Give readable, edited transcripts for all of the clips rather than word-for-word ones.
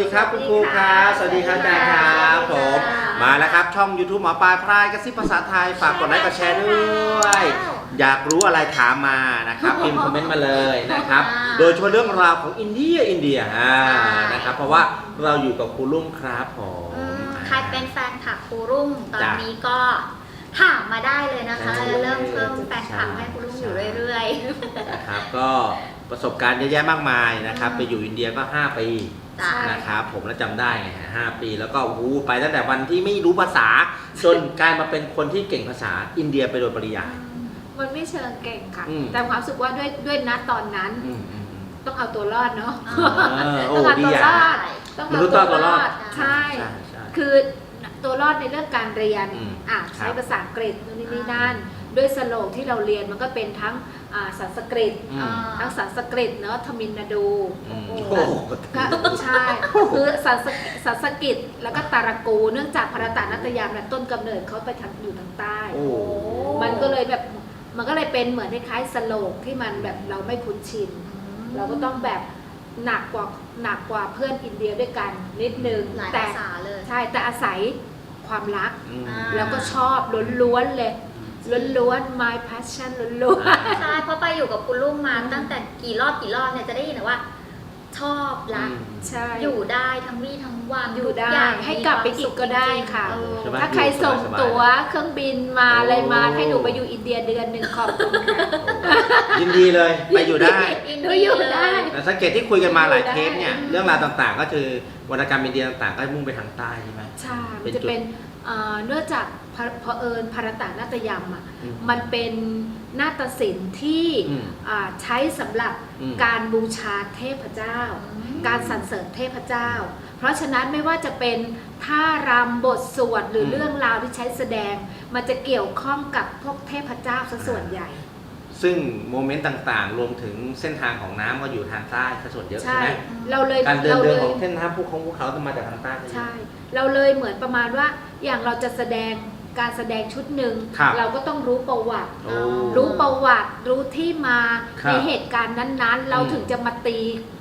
ดีครับคุณครูครับสวัสดีครับอาจารย์ครับผมมาแล้วครับช่อง YouTube หมอปลายพรายกระซิบภาษาไทยฝากกดไลค์กดแชร์ด้วยอยากรู้อะไรถามมานะครับพิมพ์คอมเมนต์มาเลยนะครับโดยเฉพาะเรื่องราวของอินเดียนะครับเพราะว่าเราอยู่กับครูลุ่มครับผมใครเป็นแฟนคลับครูรุ่งตอนนี้ก็ถามมาได้เลยนะคะเริ่มเพิ่มแฟนคลับให้ครูรุ่งอยู่เรื่อยๆนะครับก็ประสบการณ์เยอะแยะมากมายนะครับไปอยู่อินเดียก็5 ปีนะครับผมแล้วจำได้ไง5 ปีแล้วก็ไปตั้งแต่วันที่ไม่รู้ภาษาจนกลายมาเป็นคนที่เก่งภาษาอินเดียไปโดยปริยายมันไม่เชิงเก่งค่ะแต่ความรู้สึกว่าด้วยณตอนนั้นต้องเอาตัวรอดเนาะต้องเอาตัวรอดต้องเอาตัวรอดใช่คือตัวรอดในเรื่องการเรียนใช้ภาษาอังกฤษนู่นนี่นั่นด้วยสโลกที่เราเรียนมันก็เป็นทั้งสันสกฤตเนาะทมิลนาดูใช่คือสันสกฤตแล้วก็ตารากูเนื่องจากภารตานัตยามต้นกำเนิดเขาไปอยู่ทางใต้มันก็เลยแบบมันก็เลยเป็นเหมือนคล้ายๆสโลกที่มันแบบเราไม่คุ้นชินเราก็ต้องแบบหนักกว่าเพื่อนอินเดียด้วยกันนิดนึงแต่ใช่แต่อาศัยความรักแล้วก็ชอบล้วนๆเลยล้วนๆ my passion ล้วนๆใช่เพราะไปอยู่กับคุณลุงมาตั้งแต่กี่รอบเนี่ยจะได้ยินว่าชอบรักอยู่ได้ทั้งวี่ทั้งวันอยู่ได้ให้กลับไปอีกก็ได้ค่ะถ้าใครส่งตั๋วเครื่องบินมาอะไรมาให้หนูไปอยู่อินเดียเดือนหนึ่งขอบคุณยินดีเลยไปอยู่ได้อยู่ได้สังเกตที่คุยกันมาหลายเทปเนี่ยเรื่องราวต่างๆก็คือวรรณกรรมอินเดียต่างๆก็มุ่งไปทางใต้ใช่ไหมใช่มันจะเป็นเนื่องจากพอภารตานาฏยมมันเป็นนาฏศิลป์ที่ใช้สำหรับการบูชาเทพเจ้าการสรรเสริญเทพเจ้าเพราะฉะนั้นไม่ว่าจะเป็นท่ารำบทสวดหรือเรื่องราวที่ใช้แสดงมันจะเกี่ยวข้องกับพวกเทพเจ้าซะส่วนใหญ่ซึ่งโมเมนต์ต่างๆรวมถึงเส้นทางของน้ำก็อยู่ทางใต้ซะส่วนเยอะใช่ไหมการเดินของเส้นทางภูเขาจะมาจากทางใต้ใช่เราเลยเหมือนประมาณว่าอย่างเราจะแสดงการแสดงชุดหนึ่งเราก็ต้องรู้ประวัติรู้ที่มาในเหตุการณ์นั้นๆเราถึงจะมาตี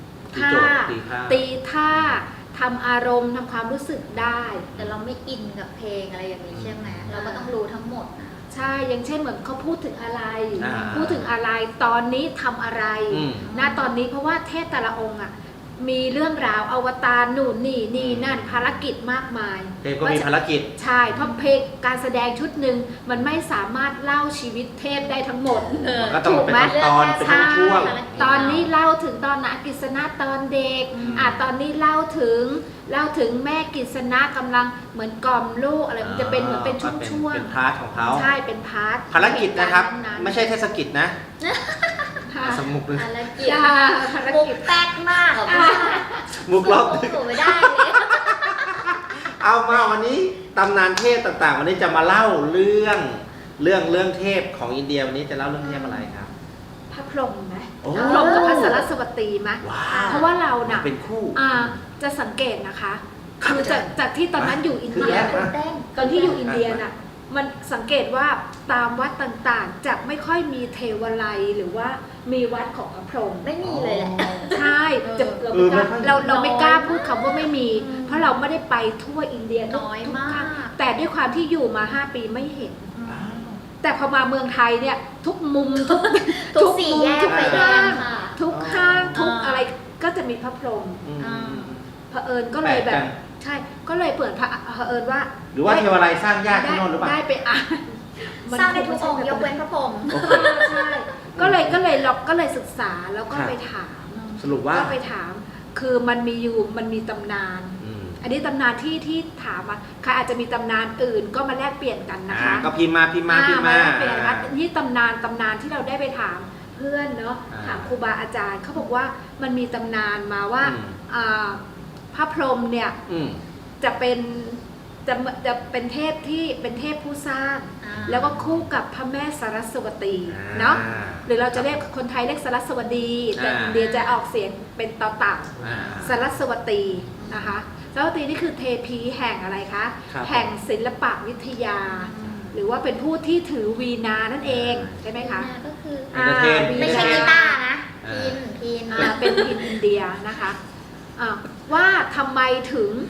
ท่าทำอารมณ์ทำความรู้สึกได้แต่เราไม่อินกับเพลงอะไรอย่างนี้ใช่ไหมเราก็ต้องรู้ทั้งหมดใช่อย่างเช่นเหมือนเขาพูดถึงอะไรตอนนี้ทำอะไรตอนนี้เพราะว่าเทพแต่ละองค์มีเรื่องราวอวตารนู่นนี่นั่นภารกิจมากมายเทพก็มีภารกิจใช่เพราะเพลงการแสดงชุดหนึ่งมันไม่สามารถเล่าชีวิตเทพได้ทั้งหมดก็ต้องเป็นตอนเป็นช่วงตอนนี้เล่าถึงตอนนะกฤษณะตอนเด็กตอนนี้เล่าถึงแม่กฤษณะกำลังเหมือนกล่อมลูกอะไรมันจะเป็นเหมือนเป็นช่วงเป็นพาร์ทของเขาใช่เป็นพาร์ทภารกิจนะครับไม่ใช่เทศกิจนะสมุกเลยภารกิจแป๊กมากมุกล็อกไม่ได้เลยเอามาวันนี้ตำนานเทพต่างๆวันนี้จะมาเล่าเรื่องเทพของอินเดียวันนี้จะเล่าเรื่องเทพอะไรครับพระพรหมไหมพระพรหมกับพระสรัสวตีไหมเพราะว่าเราน่ะเป็นคู่จะสังเกตนะคะคือจากที่ตอนนั้นอยู่อินเดียตอนที่อยู่อินเดียน่ะมันสังเกตว่าตามวัดต่างๆจะไม่ค่อยมีเทวไลยหรือว่ามีวัดของพระพรหมไม่มีเลยแหละใช่เราไม่กล้าพูดคำว่าไม่มีเพราะเราไม่ได้ไปทั่วอินเดียน้อยมากแต่ด้วยความที่อยู่มา5 ปีไม่เห็นแต่พอมาเมืองไทยเนี่ยทุกมุมทุกสี่แยกไปห้างทุกห้างทุกอะไรก็จะมีพระพรหมเผอิญก็เลยแบบใช่ก็เลยเปิดเผอิญว่าหรือว่าเทวไลยสร้างยากที่โน่นหรือเปล่าได้ไปสร้างในทุกองค์ยกเว้นพระพรหมใช่ก็เลยศึกษาแล้วก็ไปถามสรุปว่าก็ไปถามคือมันมีตำนานอันนี้ตำนานที่ถามใครอาจจะมีตำนานอื่นก็มาแลกเปลี่ยนกันนะคะก็พิมพ์มาเปลี่ยนกันนี่ตำนานที่เราได้ไปถามเพื่อนเนาะถามครูบาอาจารย์เขาบอกว่ามันมีตำนานมาว่าพระพรหมเนี่ยจะเป็นเทพที่เป็นเทพผู้สร้างแล้วก็คู่กับพระแม่สรัสวตีเนาะหรือเราจะเรียกคนไทยเรียกสรัสวดีแต่อินเดียจะออกเสียงเป็นต่อต่างสรัสวตีนะคะสรัสวตีนี่คือเทพีแห่งอะไรคะแห่งศิลปวิทยาหรือว่าเป็นผู้ที่ถือวีณานั่นเองใช่ไหมคะก็คือไม่ใช่กีตาร์นะพินเป็นพินอินเดียนะคะว่าทำไมถึง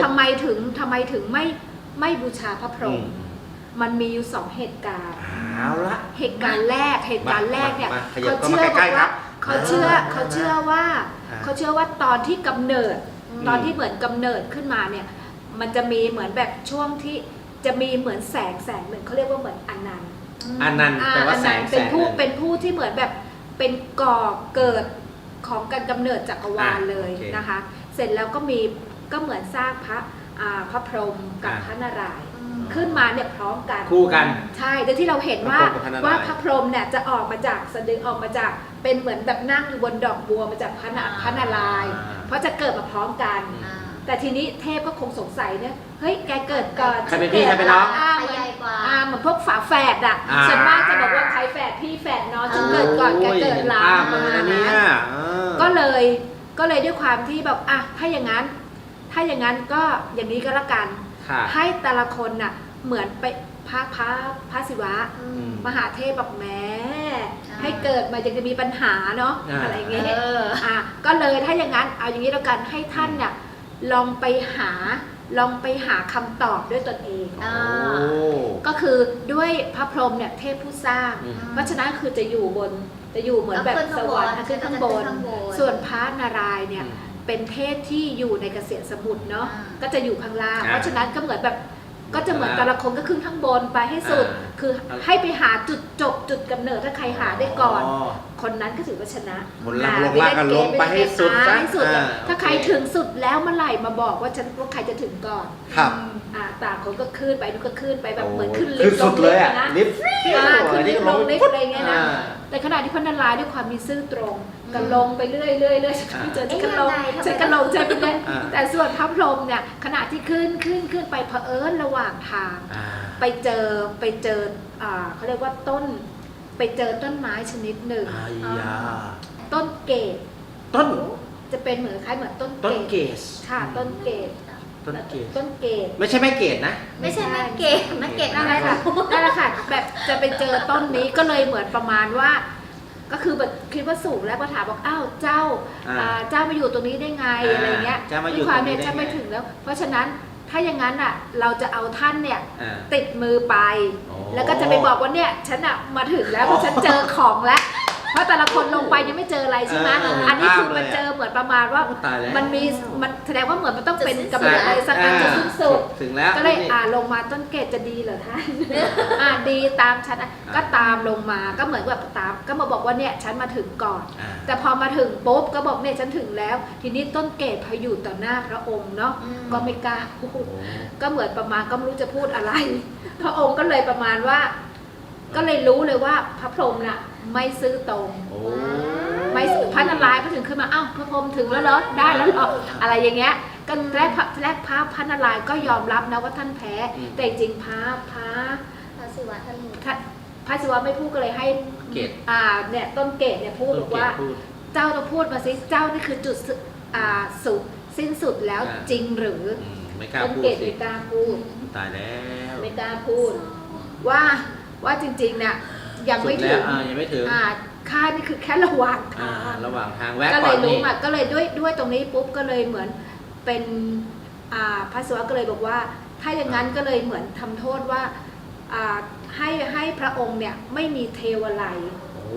ไม่บูชาพระพรหมมันมีอยู่2 เหตุการณ์เอาละเหตุการณ์แรกเนี่ยขยับเขาเข้าเชื่มาอใกล้ๆครับเขาเชื่อว่าตอนที่กำเนิด ตอนที่เหมือนกำเนิดขึ้นมาเนี่ยมันจะมีเหมือนแบบช่วงที่จะมีเหมือนแสงหนึ่งเขาเรียกว่าเหมือนอนันต์อันนั้นแปลว่าแสงเป็นผู้หนึ่งเป็นผู้ที่เหมือนแบบเป็นก่อเกิดของการกำเนิดจักรวาลเลยโอเคนะคะ เสร็จแล้วก็เหมือนสร้างพระพรหมกับพระนารายณ์ขึ้นมาเนี่ยพร้อมกันคู่กันใช่โดยที่เราเห็นว่าพระพรหมกับพระนารายณ์พระพรหมเนี่ยจะออกมาจากสะดือออกมาจากเป็นเหมือนแบบนั่งอยู่บนดอกบัวมาจากพระนารายณ์เพราะจะเกิดมาพร้อมกัน แต่ทีนี้เทพก็คงสงสัยเนี่ยเฮ้ยแกเกิดก่อนใครเป็นพี่ใครเป็นน้องใครใหญ่กว่าเหมือนพวกฝาแฝดอ่ะอ่าส่วนมากจะบอกว่าใครแฝดพี่แฝดน้องฉันเกิดก่อนแกเกิดหลังโอ้ยประมาณเห็นภาพเลยนั้นะนเนี่ยก็เลยด้วยความที่แบบอ่ะถ้าอย่างนั้นก็อย่างนี้ก็แล้วกันค่ะให้แต่ละคนน่ะเหมือนไปพระศิวะ มหาเทพบอกแหม้ให้เกิดมายังจะมีปัญหาเนาะอะไรอย่างเงี้ยก็เลยถ้าอย่างนั้นเอาอย่างนี้แล้วกันให้ท่านเนี่ยลองไปหาคำตอบด้วยตนเอง ก็คือด้วยพระพรหมเนี่ยเทพผู้สร้าง เพราะฉะนั้นคือจะอยู่เหมือนแบบสวรรค์ขึ้นข้างบน ส่วนพระนารายณ์เนี่ยเป็นเทพที่อยู่ในเกษตรสมุทรเนาะก็จะอยู่ข้างล่างเพราะฉะนั้นก็เหมือนแบบก็จะเหมือนแต่ละคนก็ขึ้นข้างบนไปให้สุด คือให้ไปหาจุดจบจุดกำเนิดถ้าใครหาได้ก่อน คนนั้นก็ถือว่าชนะคนล่างลงล่างกันลงไปให้สุดให้สุดถ้าใครถึงสุดแล้วเมื่อไหร่มาบอกว่าใครจะถึงก่อนครับต่างคนก็ขึ้นไปนู่นก็ขึ้นไปแบบเหมือนขึ้นลิขึ้ฟนต์สุดเลยอ่ะนะลิฟต์ขึ้นลิฟต์ลงลิฟต์อะไรเงี้ยนะแต่ขณะที่พระนารายณ์ด้วยความมีซื่อตรงก็ลงไปเรื่อยฉันก็ลงใจไปเรื่อยแต่ส่วนพระพรหมเนี่ยขณะที่ขึ้นไปเผอิญระหว่างทางไปเจอเขาเรียกว่าไปเจอต้นไม้ชนิดหนึ่งต้นเกศจะเป็นเหมือนคล้ายเหมือนต้นเกศค่ะต้นเกศไม่ใช่แม่เกศนะไม่ใช่แม่เกศนั่นแหละค่ะแบบจะไปเจอต้นนี้ก็เลยเหมือนประมาณว่า ก็คือแบบคิดว่าสูงแล้วก็ถามบอกอ้าวเจ้ามาอยู่ตรงนี้ได้ไงอะไรเงี้ยด้วยความเนี่ยเจ้าไม่ถึงแล้ว เพราะฉะนั้นถ้าอย่างนั้นอ่ะเราจะเอาท่านเนี่ยติดมือไป แล้วก็จะไปบอกว่าเนี่ยฉันอ่ะมาถึงแล้วฉันเจอของแล้วเพราะแต่ละคนลงไปยังไม่เจออะไรใช่ไหมอันนี้คือมันเจอเหมือนประมาณว่ามันแสดงว่าเหมือนมันต้องเป็นกำเนิดอะไรสักอันจะสิ้นสุดถึงแล้วก็เลยลงมาต้นเกศจะดีเหรอท่านดีตามฉันก็ตามลงมาก็เหมือนแบบตามก็มาบอกว่าเนี่ยฉันมาถึงก่อนแต่พอมาถึงปุ๊บก็บอกเนี่ยฉันถึงแล้วทีนี้ต้นเกศพออยู่ต่อหน้าพระองค์เนาะก็ไม่กล้าพูดก็เหมือนประมาณก็ไม่รู้จะพูดอะไรพระองค์ก็เลยประมาณว่าก็เลยรู้เลยว่าพระพรหมน่ะไม่ซื่อตรงไม่พระนารายณ์ก็ถึงขึ้นมาอ้าวพระพรหมถึงแล้วเหรอได้แล้วเหรออะไรอย่างเงี้ยก็แรกพระนารายณ์ก็ยอมรับนะว่าท่านแพ้แต่จริงพระศิวะท่านพระศิวะไม่พูดก็เลยให้เกศเนี่ยต้นเกศเนี่ยพูดบอกว่าเจ้าต้องพูดมาสิเจ้านี่คือจุดสุดสิ้นสุดแล้วจริงหรือต้นเกศไม่กล้าพูดตายแล้วไม่กล้าพูดว่าจริงๆเนี่ยยังไม่ถึงค่านี่คือแค่ระหว่างทางแวะก่อนนี่ก็เลยรู้มาก็เลยด้วยตรงนี้ปุ๊บก็เลยเหมือนเป็นพระศิวะก็เลยบอกว่าถ้าอย่างนั้นก็เลยเหมือนทำโทษว่าให้พระองค์เนี่ยไม่มีเทวไลย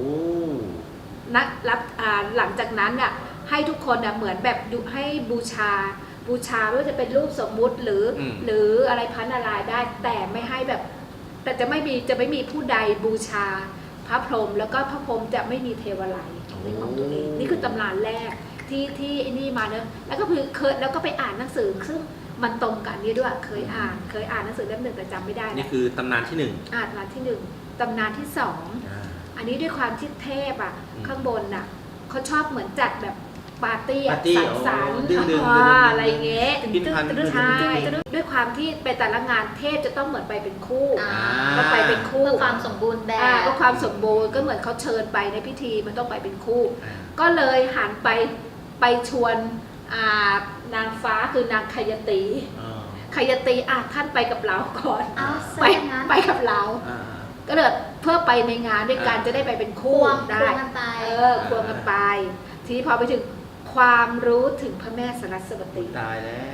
หลังจากนั้นน่ะให้ทุกคนน่ะเหมือนแบบให้บูชาไม่ว่าจะเป็นรูปสมมุติหรืออะไรพระนารายณ์ได้แต่ไม่ให้แบบแต่จะไม่มีผู้ใดบูชาพระพรหมแล้วก็พระพรหมจะไม่มีเทวไลยเป็นของตัวเองนี่คือตำราแรกที่นี่มาเนอะแล้วก็แล้วก็ไปอ่านหนังสือซึ่งมันตรงกันนี่ด้วยเคยอ่านหนังสือเล่มหนึ่งแต่จำไม่ได้นี่คือตำนานที่1 ตำนานที่1ตำนานที่2อันนี้ด้วยความที่เทพข้างบนน่ะเขาชอบเหมือนจัดแบบปาร์ตี้สังสรรค์อะไรเงี้ยใช่ด้วยความที่ไปแต่ละงานเทพจะต้องเหมือนไปเป็นคู่ก็ไปเป็นคู่เพื่อความสมบูรณ์แบบก็ความสมบูรณ์ก็เหมือนเขาเชิญไปในพิธีมันต้องไปเป็นคู่ก็เลยหันไปชวนนางฟ้าคือนางขยตีท่านไปกับเราก่อนไปกับเราก็เลยเพื่อไปในงานด้วยกันจะได้ไปเป็นคู่ได้ควงกันไปทีนี้พอไปถึงความรู้ถึงพระแม่สรัสวตีตายแล้ว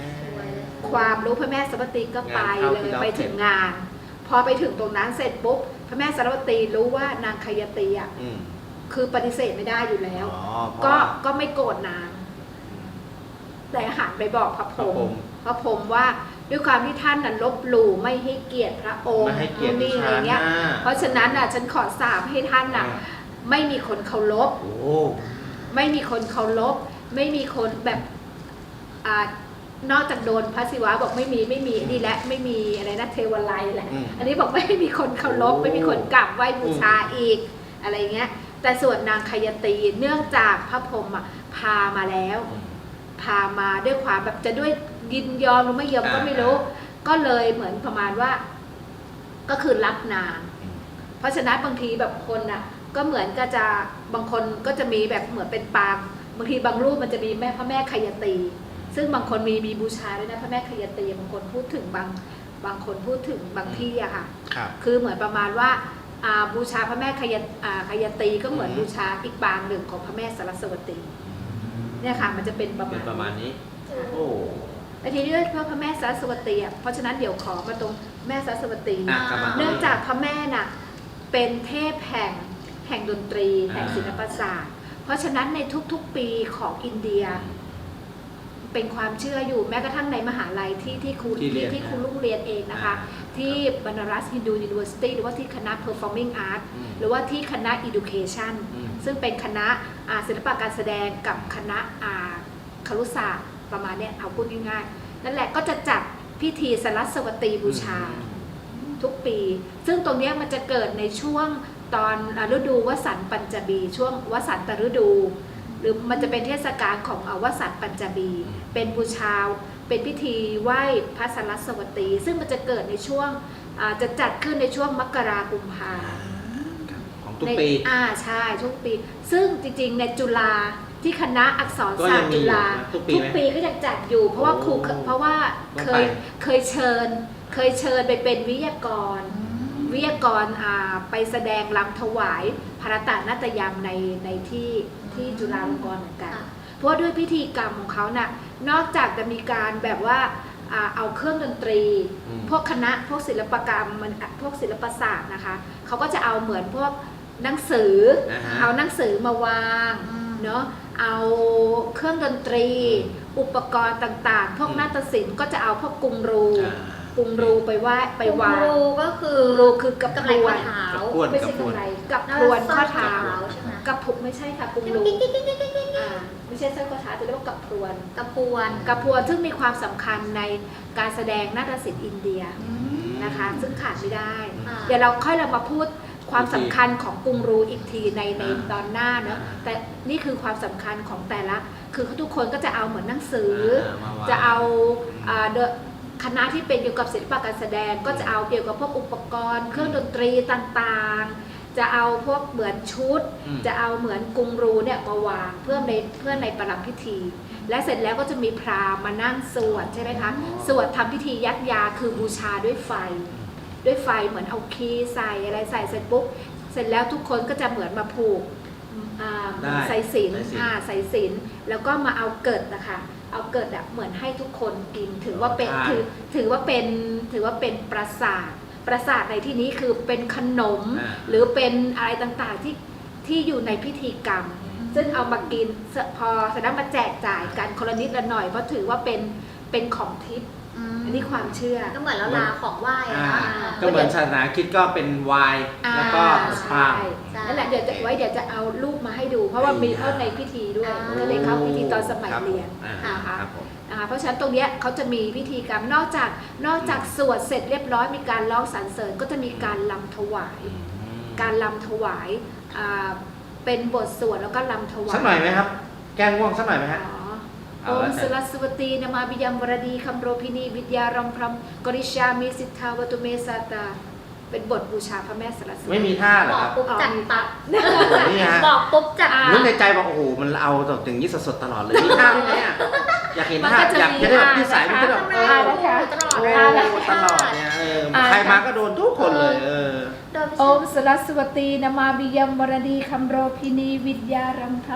ความรู้พระแม่สรัสวตีก็ไปเลยไปถึงงาน พอไปถึงตรงนั้นเสร็จปุ๊บพระแม่สรัสวตีรู้ว่านางคยตีอ่ะคือปฏิเสธไม่ได้อยู่แล้วก็ไม่โกรธนางแต่หันไปบอกพระพรหมว่าด้วยความที่ท่านนั้นลบหลู่ไม่ให้เกียรติพระองค์ไม่ให้เกียรติอะไรเงี้ยเพราะฉะนั้นอ่ะฉันขอสาปให้ท่านอ่ะไม่มีคนเคารพไม่มีคนเคารพไม่มีคนแบบนอกจากโดนพระศิวะบอกไม่มีนี่แหละไม่มีอะไรนะเทวไลแหละอันนี้บอกไม่มีคนเคารพไม่มีคนกราบไหว้บูชาอีกอะไรเงี้ยแต่ส่วนนางคยตีเนื่องจากพระพรหมพามาแล้วพามาด้วยความแบบจะด้วยยินยอมหรือไม่ยอมก็ไม่รู้ก็เลยเหมือนประมาณว่าก็คือรับนางเพราะฉะนั้นบางทีแบบคนอ่ะก็เหมือนก็จะบางคนก็จะมีแบบเหมือนเป็นปางบางทีบางรูปมันจะมีพระแม่คยตีซึ่งบางคนมีบูชาด้วยนะพระแม่คยตีบางคนพูดถึงบางคนพูดถึงบางที่อะค่ะคือเหมือนประมาณว่าบูชาพระแม่คยตีก็เหมือนบูชาอีกปางหนึ่งของพระแม่สรัสวตีเนี่ยค่ะมันจะเป็นประมาณนี้โอ้แต่ทีนี้เพราะพระแม่สรัสวตีเพราะฉะนั้นเดี๋ยวขอมาตรงแม่สรัสวตีเนื่องจากพระแม่น่ะเป็นเทพแห่งดนตรีแห่งศิลปศาสตร์เพราะฉะนั้นในทุกๆปีของอินเดียเป็นความเชื่ออยู่แม้กระทั่งในมหาลัยที่ครูลุงเรียนเองนะคะที่บานารัสฮินดูยูนิเวอร์ซิตี้หรือว่าที่คณะ Performing Arts หรือว่าที่คณะ Education ซึ่งเป็นคณะศิลปะการแสดงกับคณะครุศาสตร์ประมาณนี้เอาพูดง่ายๆนั่นแหละก็จะจัดพิธีสรัสวตีบูชาทุกปีซึ่งตรงนี้มันจะเกิดในช่วงตอนฤดูวสันต์ปัญจบีช่วงวสันตฤดูหรือมันจะเป็นเทศกาลของวสันต์ปัญจบีเป็นบูชาเป็นพิธีไหว้พระสรัสวตีซึ่งมันจะเกิดในช่วงจะจัดขึ้นในช่วงมกราคมกุมภาของทุกปีใช่ทุกปีซึ่งจริงๆในจุฬาที่คณะอักษรศาสตร์จุฬาทุกปีก็ยังจัดอยู่เพราะว่าเคยเชิญไปเป็นวิทยากรไปแสดงรำถวายภรตนาฏยรรมในที่จุฬาลงกรณ์เหมือนกันเพราะด้วยพิธีกรรมของเขาน่ะนอกจากจะมีการแบบว่าเอาเครื่องดนตรีพวกคณะพวกศิลปกรรมพวกศิลปศาสตร์นะคะเขาก็จะเอาเหมือนพวกหนังสือเอาหนังสือมาวางเนาะเอาเครื่องดนตรีอุปกรณ์ต่างๆพวกนาฏศิลป์ก็จะเอาพวกกรุงรูไปวางกรูก็คือกับพรวนไม่ใช่กับไรกับพรวนข้อเท้ากับผุกไม่ใช่ค่ะกรุงรูไม่ใช่สร้อยข้อเท้าจะเรียกว่ากับพรวนซึ่งมีความสำคัญในการแสดงนาฏศิลป์อินเดียนะคะซึ่งขาดไม่ได้เดี๋ยวเรามาพูดความสำคัญของกรุงรูอีกทีในตอนหน้าเนอะแต่นี่คือความสำคัญของแต่ละคือทุกคนก็จะเอาเหมือนหนังสือจะเอาคณะที่เป็นเกี่ยวกับศิลปะการแสดงก็จะเอาเกี่ยวกับพวกอุปกรณ์เครื่องดนตรีต่างๆจะเอาพวกเหมือนชุดจะเอาเหมือนกรุงรูเนี่ยมาวางเพื่อในประลัมพิธีและเสร็จแล้วก็จะมีพราหมณ์มานั่งสวดใช่ไหมคะสวดทำพิธียัดยาคือบูชาด้วยไฟเหมือนเอาคีใส่อะไรใส่เสร็จปุ๊บเสร็จแล้วทุกคนก็จะเหมือนมาผูกใส่ศีลแล้วก็มาเอาเกิดนะคะเอาเกิดเหมือนให้ทุกคนกินถือว่าเป็นประสาทในที่นี้คือเป็นขนมหรือเป็นอะไรต่างๆที่อยู่ในพิธีกรรมซึ่งเอามากินพอแสดงมาแจกจ่ายกันคนละนิดละหน่อยเพราะถือว่าเป็นของทิพย์อันนี้ความเชื่อก็เหมือนเราลาของไหว้ก็เหมือนศาสนาคริสต์ก็เป็นไวน์แล้วก็พราหมณ์นั่นแหละเดี๋ยวจะเอารูปมาให้ดูเพราะว่ามีเข้าในพิธีด้วยก็เลยเข้าพิธีตอนสมัยเรียนนะคะเพราะฉะนั้นตรงนี้เขาจะมีพิธีกรรมนอกจากสวดเสร็จเรียบร้อยมีการร้องสรรเสริญก็จะมีการรำถวายเป็นบทสวดแล้วก็รำถวายสักหน่อยไหมครับแกงง่วงสักหน่อยไหมฮะโอมสรัสวตีนามาบิยมวรดีคัมโรพินีวิทยารัมพรัมกริชามิสิทธาวตุเมสาตาเป็นบทบูชาพระแม่สรัสวตีไม่มีท่าหรอครับบอกปุ๊บจัดตัดนี่ฮะบอกปุ๊บจัดนึกในใจบอกโอ้โหมันเอาอย่างนี้สดๆตลอดเลยมีท่าไหมอ่ะอยากเห็นท่าอยากจะได้แบบที่สายมันจะแบบตลอดเนี่ยใครมาก็โดนทุกคนเลยโอมสรัสวตีนามาบิยมวรดีคัมโรพินีวิทยารัมพรัมก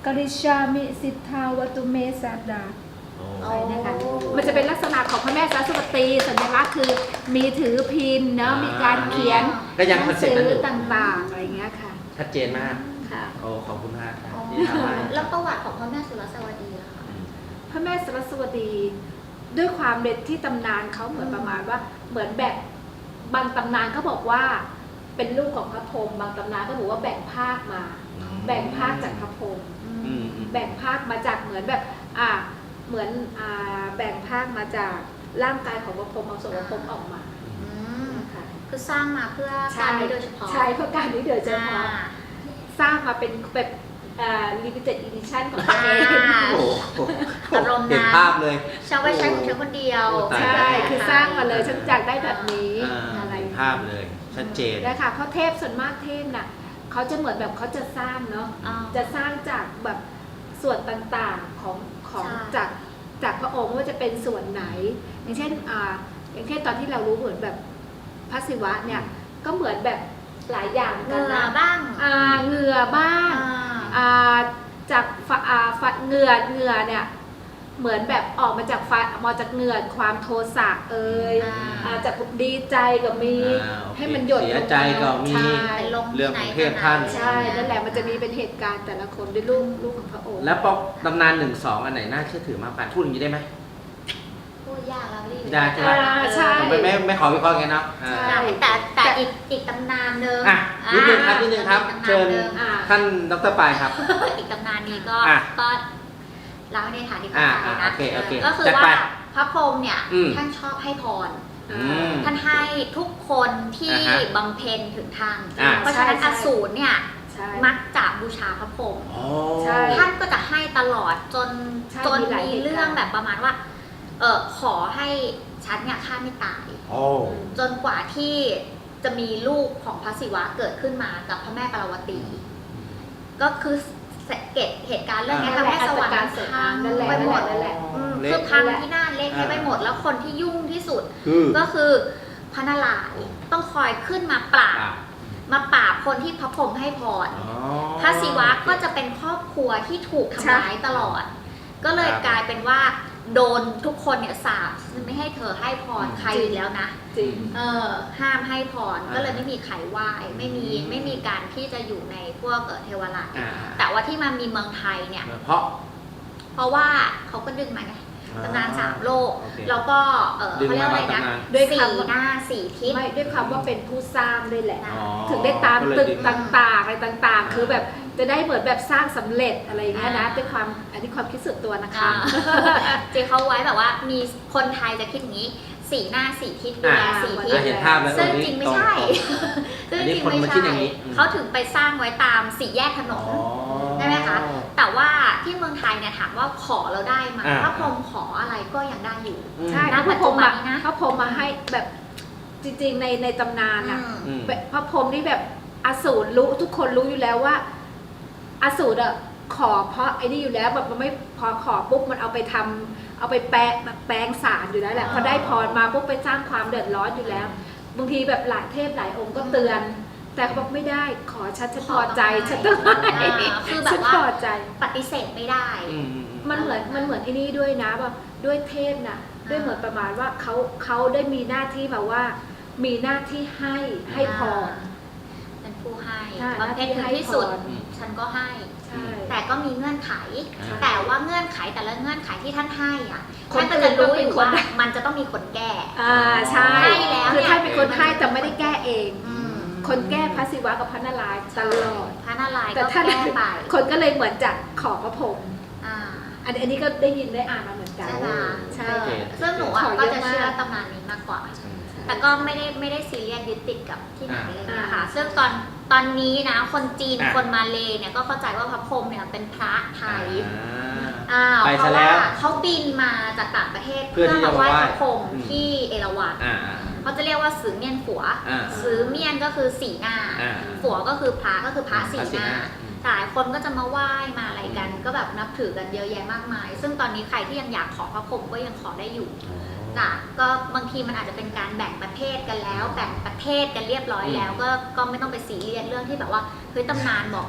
กริชามิสิทธาวัตุเมสัดดาโอ้นะคะมันจะเป็นลักษณะของพระแม่สรสวตีสัญลักษณ์คือมีถือพินเนาะมีการเขียนก็ยังหคนัอนงเซ็ปสืต์นั้นอยู่ต่างๆอะไรเงี้ยค่ะชัดเจนมากค่ะโอ้ขอบคุณมากครับอ๋อที่ทำให้แล้วประวัติของพระแม่สุรสวดีล่ะคะพระแม่สรสวดีด้วยความเด็ดที่ตำนานเขาเหมือนประมาณว่าเหมือนแบบบางตำนานเขาบอกว่าเป็นลูกของพระพรหมบางตำนานก็บอกว่าแบ่งภาคมา แบ่งภาคจากพระพรหม แบ่งภาคมาจากเหมือนแบบเหมือนแบ่งภาคมาจากร่างกายของพระพรหมเอาส่วนพระพรหมออกมาอืมนะคะคือสร้างมาเพื่อการนี้โดยเฉพาะใช่เพื่อการนี้โดยเฉพาะอ่าสร้างมาเป็นแบบlimited edition ของตัวเองโอ้โหอารมณ์นั้นเห็นภาพเลยชอบไว้ใช้ของเธอคนเดียวโอ้ตายใช่คือสร้างมาเลยฉันอยากได้แบบนี้ อะไรเห็นภาพเลย ชัดเจนนะคะเพราะเทพส่วนมากเทพน่ะเขาจะเหมือนแบบเขาจะสร้างเนาะอ่าจะสร้างจากแบบส่วนต่างๆของใช่จากพระองค์ว่าจะเป็นส่วนไหน อย่างเช่นอย่างเช่นตอนที่เรารู้เหมือนแบบพระศิวะเนี่ยก็เหมือนแบบหลายอย่างเหกันงื่อนะบ้างเหงื่อบ้างอ่าจากเหงื่อเนี่ยเหมือนแบบออกมาจากมาจากเหงื่อความโทสะจากดีใจก็มีโอเคให้มันหยดเสียใจก็มีใช่เป็นลงเรื่องของเทพท่านใช่นั่นแหละมันจะมีเป็นเหตุการณ์แต่ละคนด้วยลูกของพระองค์แล้วปกตำนาน1-2 อันไหนน่าเชื่อถือมากกว่าพูดอย่างนี้ได้ไหมพูดยากแล้วรีบยากใช่ไหมใช่ผมไม่ขอวิเคราะห์กันเนาะใช่แต่อีกตำนานหนึ่งอ่ะนิดนึงครับนิดนึงครับอีกตำนานเชิญหนึ่งท่านดรปายครับอีกตำนานนี้ก็อ่ะเล่าในฐานที่เข้าใจนะโอเคก็คือจัดว่าไปพระพรหมเนี่ยอืมท่านชอบให้พรอืมท่านให้ทุกคนที่อ่าฮะบำเพ็ญถึงธรรมอ่าเพราะฉะนั้นอสูรเนี่ยใช่มักจะบูชาพระพรหมอ๋อใช่ท่านก็จะให้ตลอดจนใช่จนมีหลายมีเหตุการณ์เรื่องแบบประมาณว่าขอให้ฉันเนี่ยฆ่าไม่ตายโอ้จนกว่าที่จะมีลูกของพระศิวะเกิดขึ้นมากับพระแม่ปารวตี ก็คือเหตุการณ์เรื่องนี้ทำให้สวรรค์พังนั่นแหละไปหมดนั่นแหละคือพังที่หน้าเละไปหมดแล้วคนที่ยุ่งที่สุดคือก็คือพระนารายณ์ต้องคอยขึ้นมาปราบคนที่พระพรหมให้พร พระศิวะก็จะเป็นครอบครัวที่ถูกทำร้ายตลอด ก็เลยกลายเป็นว่าโดนทุกคนเนี่ยสาปไม่ให้เธอให้พรใครอีกแล้วนะจริงห้ามให้พรก็เลยไม่มีใครไหว้ไม่มีการที่จะอยู่ในพวกเทวราชแต่ว่าที่มามีเมืองไทยเนี่ย เพราะว่าเขาก็ดึงมาไงตำนาน3 โลกโอเคแล้วก็เขาเรียกว่าอะไรนะด้วยสี่คำว่าหน้า4 ทิศไม่ด้วยความว่าเป็นผู้สร้างด้วยแหละอ๋อถึงได้ตามก็เลยตึกดึงต่างๆอะไรต่างๆ คือแบบจะได้เหมือนแบบสร้างสำเร็จอะไรอย่างเงี้ยนะอ่าด้วยความอันนี้ความคิดส่วนตัวนะคะจริงเขาไว้แบบว่ามีคนไทยจะคิดอย่างนี้4 หน้า 4 ทิศดูแล4 ทิศเห็นภาพแล้วซึ่งตจริงไม่ใช่ ซึ่งอันจนี้ริงคนไม่มาคิดใช่อย่างนี้เขาถึงไปสร้างไว้ตาม4 แยกถนน ใช่ไหมคะ แต่ว่าที่เมืองไทยเนี่ยถามว่าขอเราได้ไหมพระพรหมขออะไรก็ยังได้อยู่ใช่ณพระพรหมปัจจุบันนี้นะพระพรหมมาให้แบบจริงๆในตำนานอ่ะอืมพระพรหมนี่แบบอสูรรู้ทุกคนรู้อยู่แล้วว่าอสูรอะขอเพราะไอ้นี่อยู่แล้วแบบมันไม่พอขอปุ๊บมันเอาไปทำเอาไปแปลงสารอยู่แล้วแหละพอได้พรมาปุ๊บไปสร้างความเดือดร้อนอยู่แล้ว บางทีแบบหลายเทพหลายองค์ก็เตือน แต่เขาบอกไม่ได้ขอฉันพอใจฉันต้องให้คือแบฉับนว่าพอใจปฏิเสธไม่ได้มันเหมือนไอ้นี่ด้วยนะว่าด้วยเทพน่ะด้วยเหมือนประมาณว่าเขาได้มีหน้าที่แบบว่า มีหน้าที่ให้พรเป็นผู้ให้ใช่บำเพ็ญถึงที่สุดให้พรฉันก็ให้ใช่แต่ก็มีเงื่อนไขใช่แต่ว่าเงื่อนไขแต่ละเงื่อนไขที่ท่านให้อ่ะคนท่านก็จะรู้อื่นอยู่ต้องเป็นคนว่ามันจะต้องมีคนแก้ใช่ให้แล้วคือเนี่ยท่านเป็นคนให้แต่ไม่ได้แก้เองอืมคนแก้พระศิวะกับพระนารายณ์ตลอดพระนารายณ์แต่ก็ท่านแก้ไปคนก็เลยเหมือนจะขอพระพรหมอ่าอันนี้ก็ได้ยินได้อ่านมาเหมือนกันใช่ไหมใช่โอเคซึ่งหนูอ่ะขอเยก็อะจะเชื่อมากตำนานนี้มากกว่า แต่ก็ไม่ได้ซีเรียสยึดติดกับที่ไหนเลยนะคะอ่าซึ่งตอนนี้นะคนจีนอ่ะคนมาเลย์เนี่ยก็เข้าใจว่าพระพรหมเนี่ยเป็นพระไทยไปเพซะราะแล้ว่าว เขาบินมาจากต่างประเทศเพื่อที่จะมาไหว้มาไหว้พระพรหมอืมที่เอราวัณอ่าเขาจะเรียกว่าสือเมียนฝัวอ่าสือเมียนก็คือสีหน้าอ่าฝัวก็คือพระก็คือพระสีหน้าอืมหลายคนก็จะมาไหว้มาอะไรกัน ก็แบบนับถือกันเยอะแยะมากมาย ซึ่งตอนนี้ใครที่ยังอยากขอพระพรหมก็ยังขอได้อยู่จ้ะก็บางทีมันอาจจะเป็นการแบ่งประเทศกันแล้วแบ่งประเทศกันเรียบร้อยแล้ว ก็ไม่ต้องไปซีเรียสเรื่องที่แบบว่าเฮ้ยตำนานบอก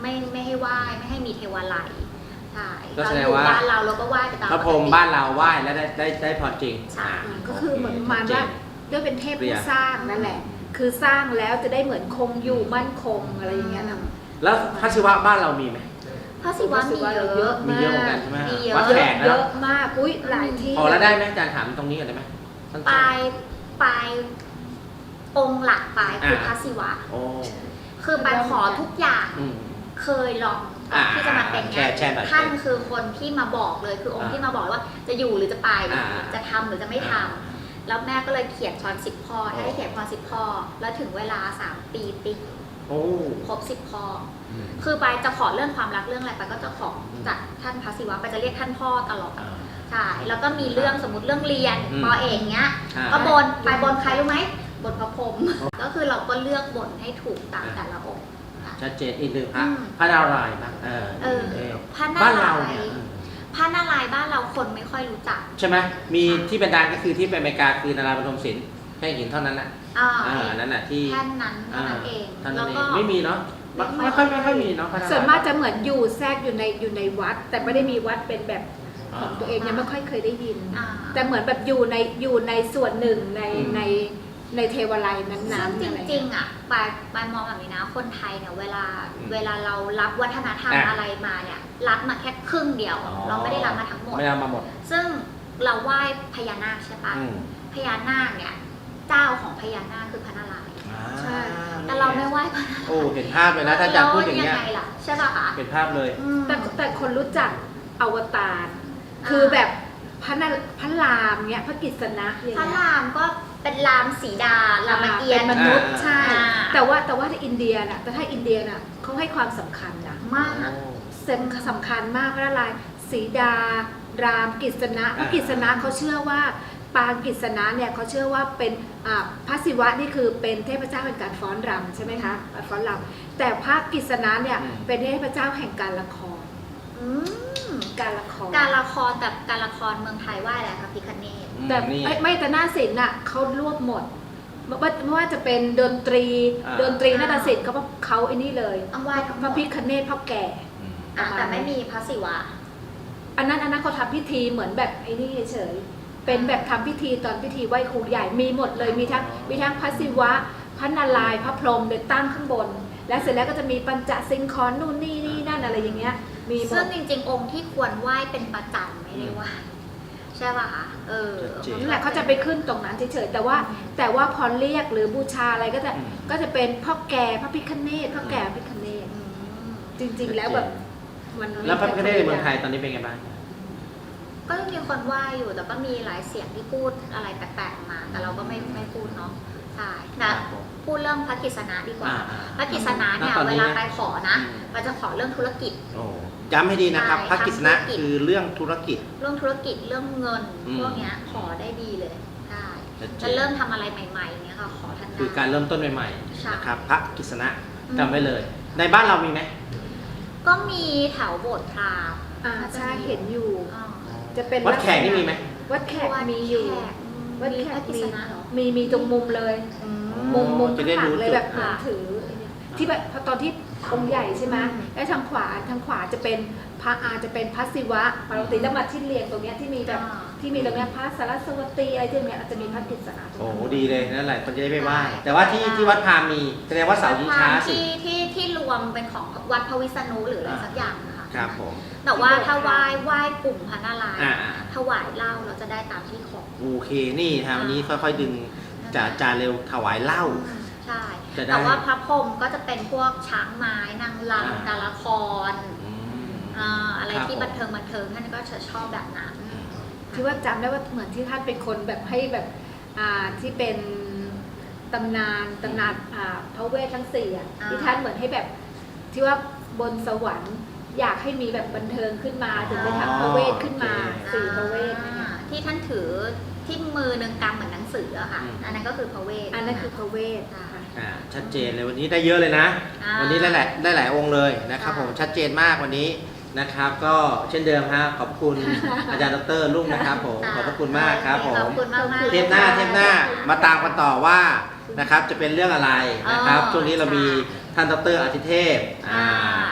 ไม่ให้ไหว้ไม่ให้มีเทวาลัยใช่ก็เราแสอดงยู่ว่าบ้านเราก็ไหว้ไปตามพระพรหมบ้านเราไหว้แล้วได้พรจริงใช่ก็คือเหมือนประมาณว่าด้วยเป็นเทพผู้สร้างนั่นแหละ คือสร้างแล้วจะได้เหมือนคงอยู่มั่นคงอะไรอย่างเงี้ยนะแล้วพระศิวะบ้านเรามีไหมพระศิวะมีเยอะมีเยอะเหมือนกันใช่ไหมมีเยอะวัดแขกเยนะอะมากอุ้ยหลายที่พอแล้วได้ไหมอาจารย์ถามตรงนี้ก่อนได้ไหมสั้นๆปลายองค์หลักปลายคือพระศิวะโอ้คือปลายขอทุกอย่างอืมเคยลองก่อนที่จะมาเป็นเนี่ยแชร์หน่อยท่านคือคนที่มาบอกเลยคือองค์ที่มาบอกว่าจะอยู่หรือจะไปอ่าจะทำหรือจะไม่ทำแล้วแม่ก็เลยเขียนพร10 ข้อถ้าได้เขียนพร10 ข้อ แล้วถึงเวลา3 ปีติ๊กโอ้ครบ10 ข้ออืมคือไปจะขอเรื่องความรักเรื่องอะไรไปก็จะขอจากท่านพระศิวะไปจะเรียกท่านพ่อตลอดอ่าใช่แล้วก็มีเรื่องสมมติเรื่องเรียนอืมปอเอกเนี้ยอ่าก็บนไปบนใครรู้ไหมบนพระพรหมก็คือเราก็เลือกบนให้ถูกตามแต่ละองค์ค่ะชัดเจนอีกหนึ่งพระอืมพระนารายณ์บ้างพระนาบ้านราเรายเนี่ยณ์พระนารายณ์บ้านเราคนไม่ค่อยรู้จักใช่ไหมมีที่เป็นดังก็คือที่ไปอเมริกาคือนาราปฐมศิลป์แค่หินเท่านั้นนะ อันนั้นน่ะที่แค่นั้นเท่านั้นเองท่านแล้นั้วนเอก็งไม่มีเนาะไม่ค่อยมีเนาะพระนารายณ์ส่วนมากจะเหมือนอยู่แทรกอยู่ในวัด แต่ไม่ได้มีวัดเป็นแบบของตัวเองยังไม่ค่อยเคยได้ยินอ่าแต่เหมือนแบบอยู่ในส่วนหนึ่งในเทวาลัยนั้นซึ่งๆจอะไรริเงี้งยๆอ่ะปายมองแบบนี้นะคนไทยเนี่ยเวลาเรารับวัฒนธรรมอะไรมาเนี่ยรับมาแค่ครึ่งเดียว เราไม่ได้รับมาทั้งหมดไม่เอามาหมดซึ่งเราไหว้พญานาคใช่ปะอืมพญานาคเนี่ยเจ้าของพญานาคคือพระนารายณ์ใช่แต่เราไม่ไหว้พระนารายณ์โอ้เห็นภาพเลยนะถ้าอาจารย์พูดอย่างเงี้ยไงล่ะใช่ป่ะคะเห็นภาพเลยอืมแต่คนรู้จักอวตารคือแบบพระรามเงี้ยพระกฤษณะอย่างพระเงี้ยรามก็เป็นรามสีดารามเกียรติ์เป็นมนุษย์ใช่อ่าแต่ว่าถ้าอินเดียน่ะแต่ถ้าอินเดียน่ะเขาให้ความสำคัญนะมากสำคัญมากพระนารายณ์สีดารามกฤษณะพระกฤษณะเขาเชื่อว่าปางกฤษณะเนี่ยเขาเชื่อว่าเป็นพระศิวะนี่คือเป็นเทพเจ้าแห่งการฟ้อนรำใช่ไหมคะฟ้อนรำแต่พระกฤษณะเนี่ยเป็นเทพเจ้าแห่งการละครอืมการละครการละครแต่การละครเมืองไทยไหว้อะไรคะพิคเนตแต่นี่ไม่แต่หน้าศิลป์น่ะเขารวบหมดไม่ว่าจะเป็นดนตรีอ่าดนตรีนาฏศิลป์เขาไอ้นี่เลยต้องไหว้ทั้งหพมระดพิฆเนศพ่อแก่อืมแต่ไม่มีพระศิวะอันนั้นเขาทำพิธีเหมือนแบบไอ้นี่เฉยๆเป็นแบบทำพิธีตอนพิธีไหว้ครูใหญ่มีหมดเลยมีทั้งพระศิวะพระนารายณ์พระพรหมเดินตั้งข้างบน และเสร็จแล้วก็จะมีปัญจสิงคอนนู่นนี่นั่นอะไรอย่างเงี้ยมีหมซึ่งดจริงๆ องค์ที่ควรไหว้เป็นประจำไม่ได้ไหว้ใช่ป่ะคะจริงนั่นแหละเขาจะไปขึ้นตรงนั้นเฉยๆแต่ว่าพอเรียกหรือบูชาอะไรก็จะเป็นพ่อแก่พระพิฆเนศพ่อแก่พระพิฆเนศอืมจริงๆแล้วแบบมันแล้วพระพิฆเนศในเมืองไทยตอนนี้เป็นไงบ้างก็ยังมีคนไหว้อยู่แต่ก็มีหลายเสียงที่พูดอะไรแปลกๆมา แต่เราก็ไม่พูดเนาะใช่แต่พูดเรื่องพระกฤษณะดีกว่า พระกฤษณะเนี่ยเวลาไปขอนะเราจะขอเรื่องธุรกิจโอ้ย้ำให้ดีนะครับใช่พระกฤษณะทำธุรกิจคือเรื่องธุรกิจเรื่องธุรกิจเรื่องเงินอืมพวกเนี้ยขอได้ดีเลยใช่ชัดเจนจะเริ่มทำอะไรใหม่ๆเนี้ยค่ะขอท่านได้คือการเริ่มต้นใหม่ใช่ๆนะครับพระกฤษณะอืมจำไว้เลย ในบ้านเรามีไหมก็มีแถวโบสถ์พราหมณ์ใช่เห็นอยู่อ่าจะเป็นวัดแขกนี่มีไหมวัดแขกมีอยู่ วัดมีแขพระกกฤษณะเหรอมีตรงมุมเลยอืมมุมจะได้ข้างหลัรู้งเลยจุดแบบเหมือนถือไอ้เนี่ยที่แบบพอตอนที่องค์ใหญ่ใช่ไหมอืมแล้วทางขวาจะเป็นพระจะเป็นพระศิวะปกติแล้วมาที่เรียงตรงเนี้ยที่มีแบบที่มีตรงเนี้ยพระสารสวตีอะไรที่เนี้ยจะมีพระกฤษณะตรงโอ้นั้นโหดีเลยนั่นแหละคนจะได้ไม่ไหว้แต่ว่าที่วัดพราหมณ์มีแสดงว่าเสาชิงช้าสิที่รวมเป็นของวัดพระวิษณุหรืออะไรสักอย่างนะคะครับผมแต่ว่าถ้าไหว้กลุ่มพระนารายณ์อ่าถวายเหล้าเราจะได้ตามที่ขอโอเคนี่ฮะวันนี้ค่อยๆดึงจาเร็วถวายเหล้าใช่จะได้แต่ว่าพระพรหมก็จะเป็นพวกช้างไม้นางอ่ารำการละครอืมอะไรครับที่ผมบันเทิงท่านก็จะชอบแบบนั้นที่ว่าจำได้ว่าเหมือนที่ท่านเป็นคนแบบให้แบบที่เป็นตำนานพระเวททั้งสี่อ่ะที่ท่านเหมือนให้แบบที่ว่าบนสวรรค์อยากให้มีแบบบันเทิงขึ้นมาถึงได้ทำพระเวทขึ้นมาสี่พระเวทเนี่ยที่ท่านถือที่มือหนึ่งกำเหมือนหนังสืออะค่ะ อันนั้นก็คือพระเวทอันนั้นคือพระเวทชัดเจนเลยวันนี้ได้เยอะเลยนะ วันนี้ได้หลายองค์เลยนะครับผมชัดเจนมากวันนี้นะครับ ก็เช่นเดิมฮะขอบคุณ อาจารย์ดร.รุ่งนะครับผมขอบพระคุณมากครับผมขอบคุณมากๆเทปหน้ามาตามกันต่อว่านะครับจะเป็นเรื่องอะไรนะครับอ๋อช่วงนี้เรามีท่านดร.อาทิเทพอ่าท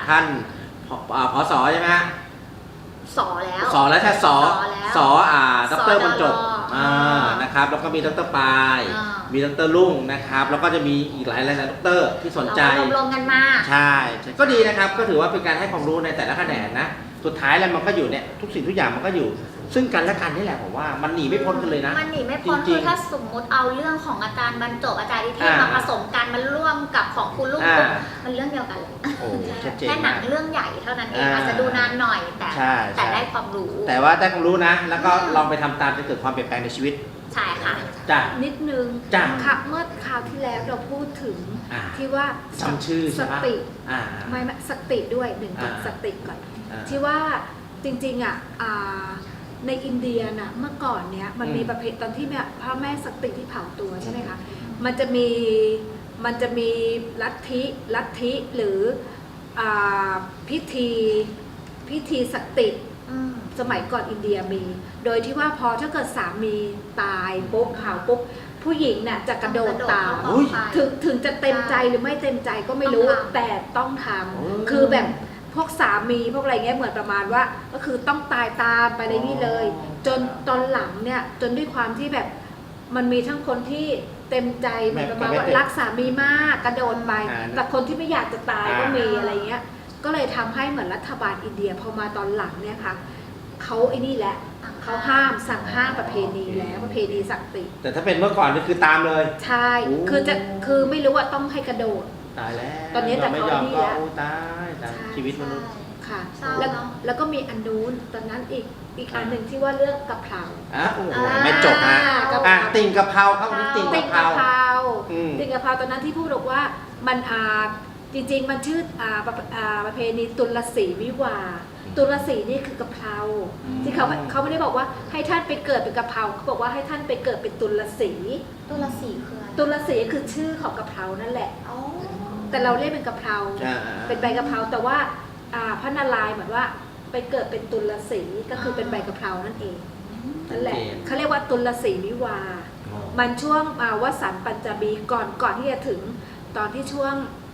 ท่านผสใช่ไหมฮะสอแล้วสอแล้วใช่สอแล้วสอดรบรรจบสอนะครับแล้วก็มีดรปายอ่ามีดรลุ่งนะครับแล้วก็จะมีอีกหลายดรที่สนใจเรารวมกันมาใช่ก็ดีนะครับก็ถือว่าเป็นการให้ความรู้ในแต่ละแขนงนะสุดท้ายแล้วมันก็อยู่เนี่ยทุกสิ่งทุกอย่างมันก็อยู่ ซึ่งกันและกันนี่แหละผมว่ามันหนีไม่พ้นกันเลยนะมันหนีไม่พ้นจริคืงๆอถ้าสมมุติเอาเรื่องของอาจารย์บรรจบอาจารย์นิเทศอ่ามมาผสมกันมันร่วมกับของคุณลูกอ่ามันเรื่องเดียวกันเลยโอ้ชัดเจนแค่หนัมาง กเรื่องใหญ่เท่านั้นเองอ่าอาจจะดูนานหน่อยแต่ใช่แต่ได้ความรู้แต่ว่าได้ความรู้นะ แล้วก็ลองไปทำตามจะเกิดความเปลี่ยนแปลงในชีวิตใช่ค่ะจ้ะนิดนึงจ้ะค่ะเมื่อคราวที่แล้วเราพูดถึงอ่าที่ว่าจำชื่อสใช่ไหมติไม่ไม่สติด้วยหนึ่งก่อนอ่าสติก่อนอ่าที่ว่าจริงๆในอินเดียน่ะเมื่อก่อนเนี้ยมันมีประเพณีตอนที่เนี่ยพระแม่สติที่เผาตัวใช่ไหมคะมันจะมีลัทธิหรือพิธีสติ สมัยก่อนอินเดียมี โดยที่ว่าพอถ้าเกิดสามีตายปุ๊บเผาปุ๊บผู้หญิงน่ะจะกระโดดตามอุ๊ยถึงจะเต็มใจหรือไม่เต็มใจก็ไม่รู้ต้องทำแต่ต้องทโอ้ำคือแบบพวกสามีพวกอะไรเงี้ยเหมือนประมาณว่า ก็คือต้องตายตามไปในนี่เลย จนตอนหลังเนี่ยจนด้วยความที่แบบมันมีทั้งคนที่เต็มใจเหมือนประมาณว่ารักสามีมากกระโดดไป แต่คนที่ไม่อยากจะตายก็มีอะไรเงี้ย ก็เลยทำให้เหมือนรัฐบาลอินเดียพอมาตอนหลังเนี่ยค่ะเขาไอ้นี่แหละเขาสั่งห้ามประเพณีแล้วประเพณีสติแต่ถ้าเป็นเมื่อก่อนนี่คือตามเลยใช่โอ้คือไม่รู้ว่าต้องให้กระโดดตายแล้วตอนนี้แต่ไม่เขายอมนี่ก็แล้วโอ้ตายชีวิตมนุษย์ค่ะเศร้าแล้วเนอะแล้วก็มีอันนู้นตอนนั้นอีกอันหนึ่งที่ว่าเรื่องกะเพราโอ้โหไม่จบฮะกะเพราติ่งกะเพราครับวันนี้ติ่งติ่กะงเพรากะเพราอืมติ่งกะเพราตอนนั้นที่พูดบอกว่ามันจริงๆมันชื่อประเพณีตุลสีวิวาห์ตุลสีนี่คือกะเพราอืมที่เขาไม่ได้บอกว่าให้ท่านไปเกิดเป็นกะเพราเขาบอกว่าให้ท่านไปเกิดเป็นตุลสีตัวละสี่คืออะไรตุลสีคือชื่อของกะเพรานั่นแหละอ๋อแต่เราเรียกเป็นกะเพราอ่าเป็นใบกะเพราแต่ว่าพระนารายณ์เหมือนว่าไปเกิดเป็นตุลสีก็คือเป็นใบกะเพรานั่นเองนั่นแหละเขาเรียกว่าตุลสีวิวาห์ มันช่วงวสันต์ปัญจบีก่อนที่จะถึงตอนที่ช่วง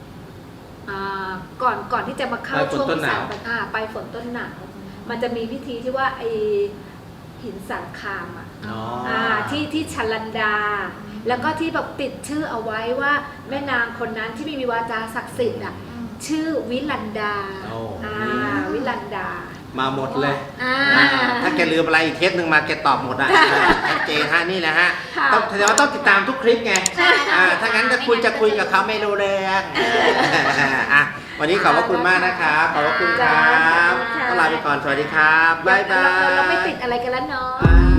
ก่อนที่จะมาเข้าช่วงวสันต์ไปฝนต้นหนาวมันจะมีพิธีที่ว่าไอหินสังคามที่ชัลลันดา แล้วก็ที่แบบติดชื่อเอาไว้ว่าแม่นางคนนั้นที่มีวาจาศักดิ์สิทธิ์ชื่อวิลันดา วิลันดามาหมดเลยอ่าถ้าแกลืมอะไรอีกเคสหนึ่งมาแกตอบหมดอ่ะชัดเจนฮะนี่แหละฮะค่ะต้องแสดงว่าต้องติดตามทุกคลิปไงถ้างั้นจะคุยกับเขาไม่รู้เรื่องวันนี้ขอบพระคุณมากนะครับขอบพระคุณครับต้องลาไปก่อนสวัสดีครับบ๊ายบายเราไม่ติดอะไรกันแล้วเนาะอ่า